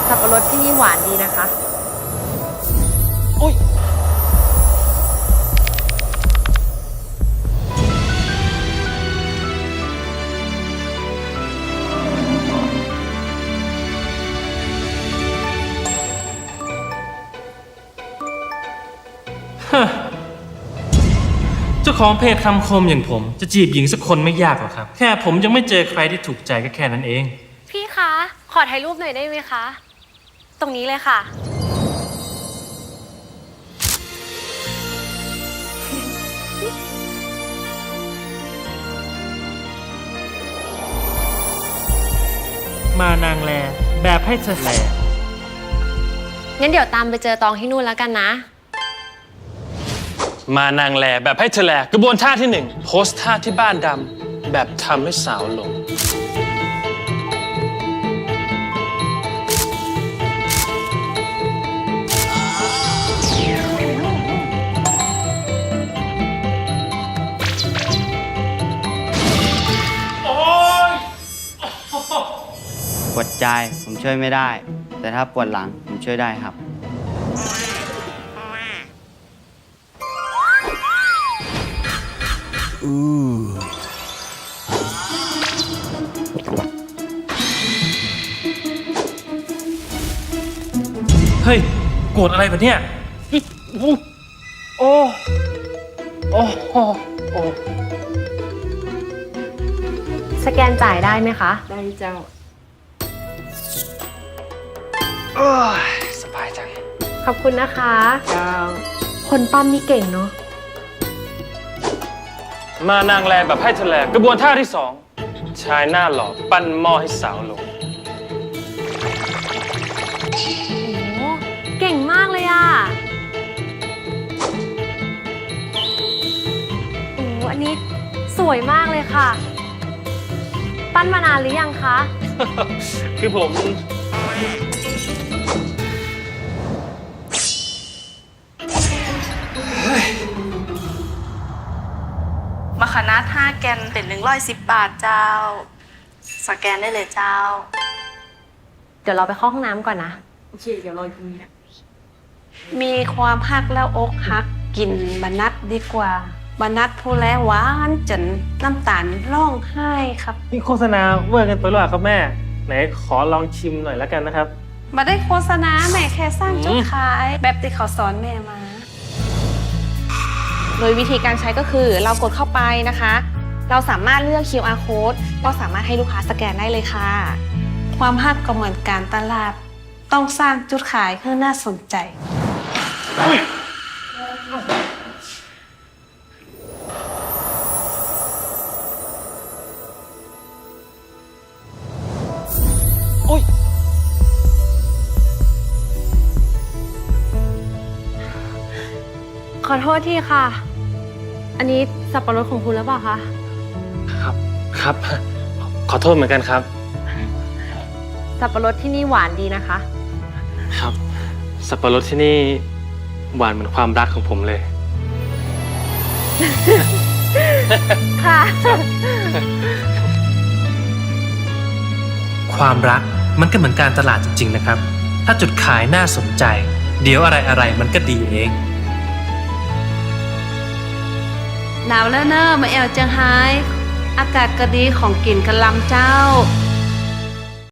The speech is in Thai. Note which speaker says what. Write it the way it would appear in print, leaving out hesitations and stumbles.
Speaker 1: สับปะรดที่นี่หวานดีนะคะ
Speaker 2: อุ้ยเจ้าของเพจคำคมอย่างผมจะจีบหญิงสักคนไม่ยากหรอกครับ แค่ผมยังไม่เจอใครที่ถูกใจก็แค่นั้นเอง
Speaker 1: พี่คะ ขอถ่ายรูปหน่อยได้ไหมคะ ตรงนี้เลยค่ะ
Speaker 2: มานางแลแบบให้เธอแล
Speaker 1: งั้นเดี๋ยวตามไปเจอตองที่นู่นแล้วกันนะ
Speaker 2: มานางแลแบบให้เธอแลกระบวนท่าที่ 1 โพสท่าที่บ้านดำแบบทำให้สาวหลง
Speaker 3: ปวดใจผมช่วยไม่ได้ แต่ถ้าปวดหลังผมช่วยได้ครับ
Speaker 2: เฮ้ย โกรธอะไรแบบเนี้ยโอ้โอ้โอ้โอ้
Speaker 1: สแกนจ่ายได้ไหมคะ
Speaker 4: ได้เจ้า
Speaker 2: โอ้ยสบายจัง
Speaker 1: ขอบคุณนะคะ
Speaker 4: เจ้า
Speaker 1: คนปั้มนี่เก่งเนาะ
Speaker 2: มานางแลแบบให้เธอแลกระบวนท่าที่ 2 ชายหน้าหล่อปั้นหม้อให้สาวหลง
Speaker 1: โอ้เก่งมากเลยอะโอ้อันนี้สวยมากเลยค่ะ ปั้นมานานหรือยังคะ
Speaker 2: คือผม
Speaker 5: มะขนาด5 แกนเป็น110 บาทเจ้า สแกนได้เลยเจ้า
Speaker 1: เดี๋ยวเราไปเข้าห้องน้ำก่อนนะ
Speaker 4: โอเค เดี๋ยวรอตรงนี้นะ
Speaker 5: มีความฮักแล้วอกฮักกินบรรนัดดีกว่าบรรนัดผู้แลหวานจนน้ำตาลร้องไห้ครับ
Speaker 2: นี่โฆษณาเวอร์กันไปหรือเปล่าครับแม่ ไหนขอลองชิมหน่อยแล้วกันนะครับ
Speaker 5: มาได้โฆษณาแม่แค่สร้างจุดขาย แบบที่เขาสอนแม่มา
Speaker 6: โดยวิธีการใช้ก็คือเรากดเข้าไปนะคะ เราสามารถเลือก QR code ก็สามารถให้ลูกค้าสแกนได้เลยค่ะ
Speaker 5: ความฮักก็เหมือนการตลาด ต้องสร้างจุดขายเพื่อน่าสนใจ
Speaker 2: อุ้ย
Speaker 1: ขอโทษทีค่ะ อันนี้สับปะรดของคุณหรือเปล่าคะ
Speaker 2: ครับ ครับ ขอโทษเหมือนกันครับ
Speaker 1: สับปะรดที่นี่หวานดีนะคะ
Speaker 2: ครับ สับปะรดที่นี่หวานเหมือนความรักของผมเลย
Speaker 1: ค่ะ
Speaker 2: ความรักมันก็เหมือนการตลาดจริงๆนะครับ ถ้าจุดขายน่าสนใจ เดี๋ยวอะไรๆมันก็ดีเอง
Speaker 5: หนาวแล้วเนอะมาแอวเจียงไฮ้อากาศก็ดีของกินกะลำเจ้า